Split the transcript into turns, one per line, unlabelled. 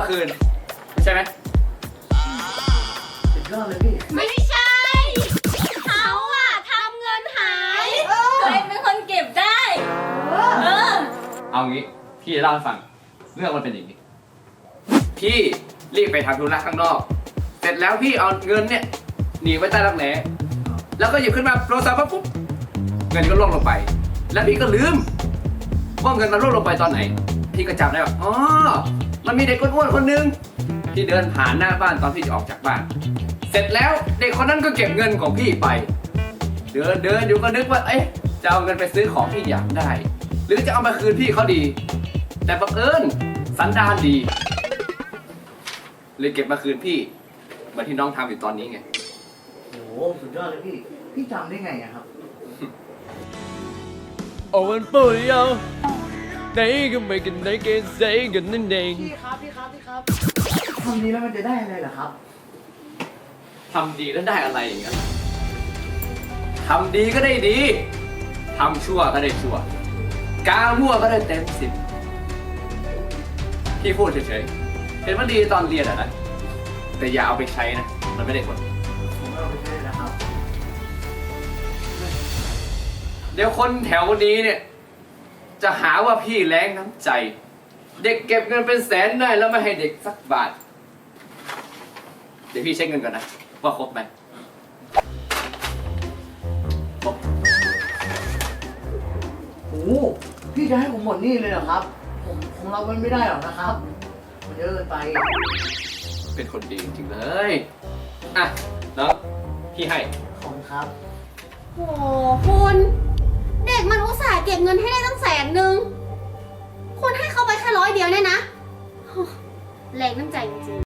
คืนใช่ไหม
สุดยอดเลยพี่
ไม่ใช่เขาอะทำเงินหายตัวเองเป็นคนเก็บได้
เอางี้พี่จะเล่าให้ฟังเรื่องมันเป็นอย่างนี้พี่รีบไปทำธุระข้างนอกเสร็จแล้วพี่เอาเงินเนี่ยหนีไว้ใต้รักแร้แล้วก็หยิบขึ้นมาโทรศัพท์ปุ๊บเงินก็ล่วงลงไปแล้วพี่ก็ลืมว่าเงินมันล่วงลงไปตอนไหนพี่ก็จำได้ว่าอ๋อมันมีเด็กอ้วนๆคนนึงที่เดินผ่านหน้าบ้านตอนพี่จะออกจากบ้านเสร็จแล้วเด็กคนนั้นก็เก็บเงินของพี่ไปเดินอยู่ก็นึกว่าเอ๊ะจะเอาเงินไปซื้อของที่อยากได้หรือจะเอามาคืนพี่เขาดีแต่บังเอิญสันดานดีเลยเก็บมาคืนพี่เหมือนที่น้องทำอยู่ตอนนี้ไง
โอ้โหสุดยอดเลยพี่พี่จำได้ไงอะครับ
โอ้มันปุ๋ยเอาไหนก็ไม่กันไหนกันใส่กันนั่นเอง
พี่ครับทำดีแล้วมันจะได้อะไรเหรอครับ
ทำดีแล้วได้อะไรอย่างเงี้ยทำดีก็ได้ดีทำชั่วก็ได้ชั่วกามั่วก็ได้เต็ม10พี่พูดเฉยๆเห็นว่าดีตอนเรียนอะนะแต่อย่าเอาไปใช้นะมันไม่ได้ผล
ผมเอาไปใช้นะครับ
เดี๋ยวคนแถวนี้เนี่ยจะหาว่าพี่แรงน้ำใจเด็กเก็บเงินเป็นแสนได้แล้วไม่ให้เด็กสักบาทเดี๋ยวพี่เช็คเงินก่อนนะว่าครบไหมครบ
โอ้โหพี่จะให้ผมหมดหนี้เลยเหรอครับผมรับมันไม่ได้หรอกนะครับมันเยอะเกินไป
เป็นคนดีจริงๆเลยอ่ะน้องพี่ให้
ขอบคุณครับ
โหคุณเด็กมันอุตส่าห์เก็บเงินให้ได้ตั้ง100,000คุณให้เขาไปแค่100 เดียวเนี่ยนะแรงน้ำใจจริง